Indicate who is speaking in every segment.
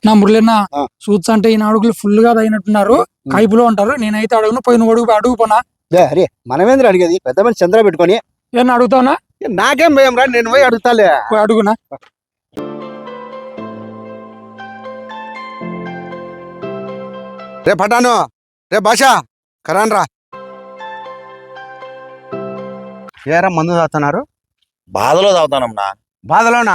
Speaker 1: నా మురళిన్న సూట్స్ అంటే ఈయన అడుగులు ఫుల్ గా అయినట్టున్నారు, కైపులో ఉంటారు. నేనైతే అడుగును, పోయిన అడుగు పోనా.
Speaker 2: అరే మనమేంద్ర అడిగేది, పెద్ద మంది చంద్ర పెట్టుకొని
Speaker 1: ఏమన్నా అడుగుతావునా?
Speaker 2: నాకేం భయం రా, నేను పోయి అడుగుతాలే.
Speaker 1: అడుగునా.
Speaker 2: రే పటాను, రే భాషా కరాన్ రా. ఏరా మందు తాగుతున్నారు?
Speaker 3: బాధలో తాగుతానమ్మా.
Speaker 2: బాధలోనా?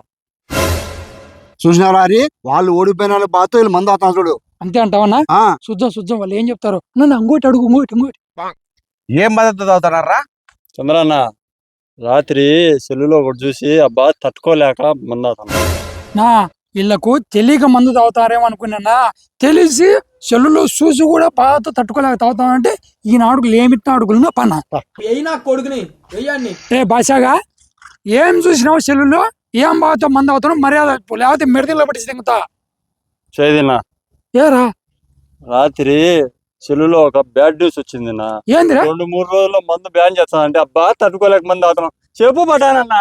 Speaker 2: చూసినారా అరి, వాళ్ళు ఓడిపోయిన వాళ్ళు బాధతో వీళ్ళు మందు తాగుతాను చూడు.
Speaker 1: అంతే అంటావన్నా? చూద్దాం వాళ్ళు ఏం చెప్తారు. నన్ను అంగోటి అడుగు, ఇంకోటి.
Speaker 2: ఏం బాధతో తాగుతున్నారా?
Speaker 4: చంద్రన్న రాత్రి సెల్లులో ఒకటి చూసి అబ్బా తట్టుకోలేక మందాతాను.
Speaker 1: నా వీళ్ళకు తెలియక మందు తాగుతారేమో అనుకున్నా, తెలిసి సెల్లులో చూసి కూడా బాధతో తట్టుకోలేక తాగుతామంటే ఈయన అడుగులు ఏమిట్టిన అడుగులు పన్నా.
Speaker 5: కొడుకుని
Speaker 1: ఏ భాషగా ఏం చూసినావు సెల్లులో, ఏం బాధతో మందు అవుతాను, మర్యాద లేకపోతే మెడతలో పట్టి తింగుతా.
Speaker 4: చేదినా
Speaker 1: ఏరా
Speaker 4: రాత్రి సెల్లులో ఒక బ్యాడ్ న్యూస్ వచ్చింది నా.
Speaker 1: ఏందిరా?
Speaker 4: 2-3 రోజుల్లో మందు బ్యాన్ చేస్తానంటే అబ్బా తట్టుకోలేక మంది అవుతున్నాం. చెప్పు పటానన్నా.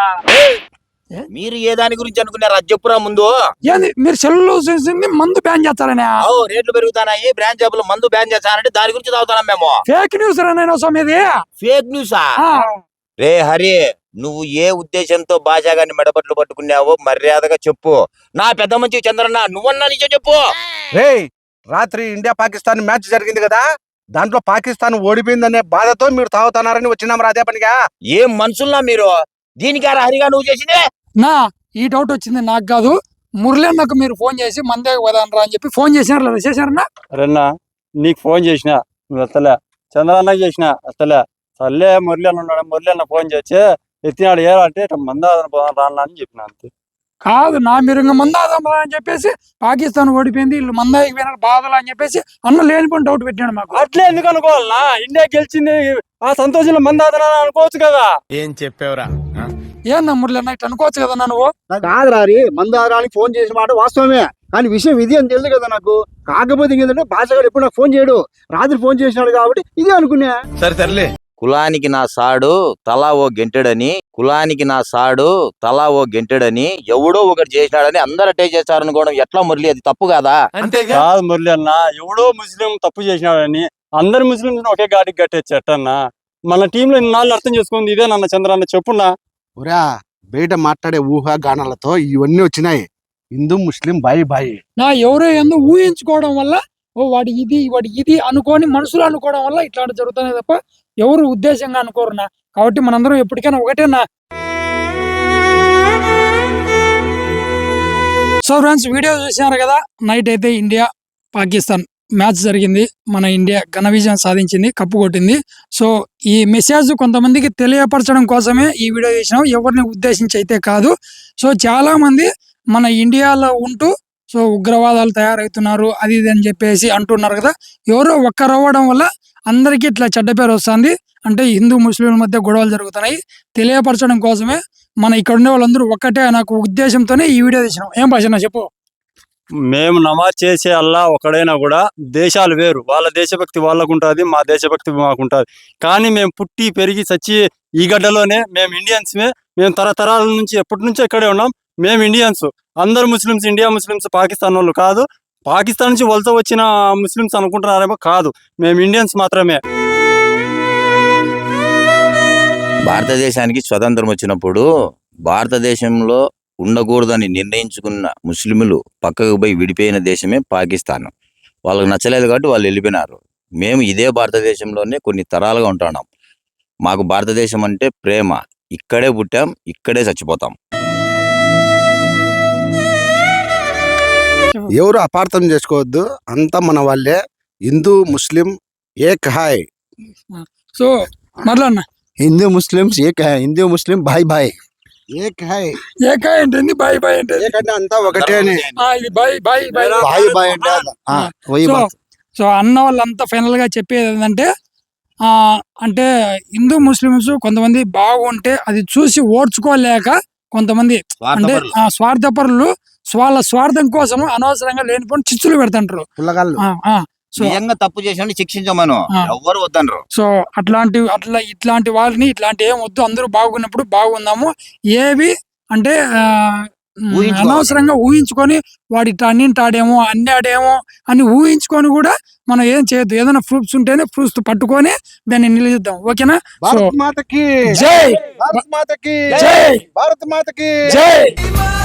Speaker 3: మీరు ఏ దాని గురించి అనుకున్నారు అది చెప్పురా ముందు.
Speaker 1: ఏంది మీరు సెల్లులో చూసింది మందు బ్యాన్ చేస్తారనే?
Speaker 3: రేట్లు పెరుగుతాయి, బ్రాంచ్ జాబులు మందు బ్యాన్ చేస్తానంటే దాని గురించి తాగుతున్నాం మేము.
Speaker 1: ఫేక్ న్యూస్ రానేది.
Speaker 3: ఫేక్ న్యూసా? రే హరి, నువ్వు ఏ ఉద్దేశంతో భాషా గారిని మెడపట్లు పట్టుకున్నావో మర్యాదగా చెప్పు. నా పెద్ద మంచి చంద్రన్న, నువ్వన్నా నిజం చెప్పు.
Speaker 2: రే రాత్రి ఇండియా పాకిస్తాన్ మ్యాచ్ జరిగింది కదా, దాంట్లో పాకిస్తాన్ ఓడిపోయిందనే బాధతో మీరు తాగుతున్నారని వచ్చినాం రా. అదే పనిగా
Speaker 3: ఏం మనుషుల్లా మీరు? దీనికారా హరిగా నువ్వు చేసింది?
Speaker 1: నా ఈ డౌట్ వచ్చింది నాకు కాదు, మురళన్నకు మీరు ఫోన్ చేసి మందే వదనరా అని చెప్పి ఫోన్ చేసినారు లేదా? చేశారన్నా?
Speaker 4: అరేనా నీకు ఫోన్ చేసిన నువ్వు ఎత్తలే, చంద్రన్నకి చేసిన ఎత్తలే. సర్లే మురళి అన్న ఉన్నాడు, మురళి అన్న ఫోన్ చేసి ఎత్తినాడు. ఏరంటే మందాదన పోదాం రాను అని చెప్పిన అంతే.
Speaker 1: కాదు నా, మీరు ఇంకా మందాదం అని చెప్పేసి పాకిస్తాన్ ఓడిపోయింది వీళ్ళు మందాయికి పోయినారు బాధలు అని చెప్పేసి అన్న లేనిపోయిన డౌట్ పెట్టాడు మాకు.
Speaker 4: అట్లే ఎందుకు అనుకోవాలనా? ఇండియా గెలిచింది, ఆ సంతోషంలో మందాదన అనుకోవచ్చు కదా.
Speaker 5: ఏం చెప్పావురా?
Speaker 1: ఏందా మురళి ఇట్లా అనుకోవచ్చు కదా నువ్వు?
Speaker 2: కాదురా రే, మందారానికి ఫోన్ చేసిన మాట వాస్తవమే, కానీ విషయం ఇది అని తెలుసు కదా నాకు. కాకపోతే ఏంటంటే భాషగాడు ఎప్పుడు నాకు ఫోన్ చేయడు, రాత్రి ఫోన్ చేసినాడు కాబట్టి ఇదే అనుకున్నా.
Speaker 5: సరే తరలే.
Speaker 3: కులానికి నా సాడు తలా ఓ గెంటెడని, కులానికి నా సాడు తలా ఓ గెంటెడని ఎవడో ఒకటి చేసినాడని అందరు అటే చేస్తారు అనుకోవడం ఎట్లా మురళి? అది తప్పు కాదా?
Speaker 4: కాదు మురళి అన్న, ఎవడో ముస్లిం తప్పు చేసినాడని అందరు ముస్లిం ఒకే గాడికి కట్టేచ్చు ఎట్టన్నా? మన టీంలో ఇన్నాళ్ళు అర్థం చేసుకుంది ఇదే నన్న. చంద్రన్న చెప్పున్నా.
Speaker 2: ఒరా బయట మాట్లాడే ఊహాగానాలతో ఇవన్నీ వచ్చినాయి. హిందూ ముస్లిం బాయి బాయి
Speaker 1: నా ఎవరో ఎందుకు ఊహించుకోవడం వల్ల, ఓ వాడి ఇది అనుకోని మనసులో అనుకోవడం వల్ల ఇట్లాంటి జరుగుతున్నాయి తప్ప ఎవరు ఉద్దేశంగా అనుకోరునా. కాబట్టి మనందరం ఎప్పటికైనా ఒకటేనా. సో ఫ్రెండ్స్, వీడియో చూసినారు కదా, నైట్ అయితే ఇండియా పాకిస్తాన్ మ్యాచ్ జరిగింది. మన ఇండియా ఘన విజయం సాధించింది, కప్పు కొట్టింది. సో ఈ మెసేజ్ కొంతమందికి తెలియపరచడం కోసమే ఈ వీడియో చేసినాం, ఎవరిని ఉద్దేశించి అయితే కాదు. సో చాలా మంది మన ఇండియాలో ఉంటూ సో ఉగ్రవాదాలు తయారవుతున్నారు అది ఇది అని చెప్పేసి అంటున్నారు కదా. ఎవరో ఒక్కరవ్వడం వల్ల అందరికీ ఇట్లా చెడ్డ పేరు వస్తుంది. అంటే హిందూ ముస్లింల మధ్య గొడవలు జరుగుతున్నాయి, తెలియపరచడం కోసమే మన ఇక్కడ ఉండే వాళ్ళందరూ ఒక్కటే నాకు ఉద్దేశంతోనే ఈ వీడియో తీసినాం. ఏం భాష చెప్పు?
Speaker 4: మేము నమాజ్ చేసే అల్లా ఒకడైనా కూడా దేశాలు వేరు, వాళ్ళ దేశభక్తి వాళ్ళకు ఉంటుంది, మా దేశభక్తి మాకుంటుంది. కానీ మేము పుట్టి పెరిగి చచ్చి ఈ గడ్డలోనే మేము ఇండియన్స్మే. మేము తరతరాల నుంచి ఎప్పటి నుంచో ఇక్కడే ఉన్నాం. మేము ఇండియన్స్. అందరు ముస్లిమ్స్ ఇండియా ముస్లిమ్స్ పాకిస్తాన్ వాళ్ళు కాదు. పాకిస్తాన్ నుంచి వలస వచ్చిన ముస్లిమ్స్ అనుకుంటున్నారేమో, కాదు, మేము ఇండియన్స్ మాత్రమే.
Speaker 3: భారతదేశానికి స్వతంత్రం వచ్చినప్పుడు భారతదేశంలో ఉండకూడదని నిర్ణయించుకున్న ముస్లింలు పక్కకు పోయి విడిపోయిన దేశమే పాకిస్తాన్. వాళ్ళకి నచ్చలేదు కాబట్టి వాళ్ళు వెళ్ళిపోయినారు. మేము ఇదే భారతదేశంలోనే కొన్ని తరాలుగా ఉంటున్నాం. మాకు భారతదేశం అంటే ప్రేమ. ఇక్కడే పుట్టాం, ఇక్కడే చచ్చిపోతాం.
Speaker 2: ఎవరు అపార్థం చేసుకోవద్దు, అంతా మన వాళ్ళే. హిందూ ముస్లిం ఏక్ హాయ్.
Speaker 1: సో మరలన్న,
Speaker 2: హిందూ ముస్లిమ్స్ ఏక్ హాయ్, హిందూ ముస్లిం బాయ్ బాయ్. ఏక్ హాయ్
Speaker 1: ఏకాయ్ ఏంటి, బాయ్ బాయ్ అంటే
Speaker 2: ఏకంటే అంతా ఒకటే అని.
Speaker 1: ఇది బాయ్ బాయ్ బాయ్
Speaker 2: బాయ్ బాయ్ అంటే
Speaker 1: సో అన్న వాళ్ళంతా ఫైనల్ గా చెప్పేది ఏంటంటే, అంటే హిందూ ముస్లిమ్స్ కొంతమంది బాగుంటే అది చూసి ఓడ్చుకోలేక కొంతమంది అంటే స్వార్థపరులు వాళ్ళ స్వార్థం కోసం అనవసరంగా లేనిపోయిన చిచ్చులు పెడతాంటారు.
Speaker 3: నిజంగా తప్పు చేసిన శిక్షించమను, ఎవ్వరు వద్దనరు.
Speaker 1: సో ఇట్లాంటి వాళ్ళని ఇట్లాంటి ఏం వద్దు, అందరూ బాగున్నప్పుడు బాగుందాము. ఏవి అంటే
Speaker 2: ఊహించుకోవాలి.
Speaker 1: అనవసరంగా ఊహించుకొని వాడి అన్నింటాడేమో అన్నాడేమో అని ఊహించుకొని కూడా మనం ఏం చేయొద్దు. ఏదైనా ప్రూఫ్స్ ఉంటేనే ప్రూఫ్స్ పట్టుకొని దాన్ని నిలదీద్దాం. ఓకేనా? సో
Speaker 2: భారత్ మాతకి
Speaker 1: జై
Speaker 2: భారత్ మాతకి
Speaker 1: జై
Speaker 2: భారత్ మాతకి
Speaker 1: జై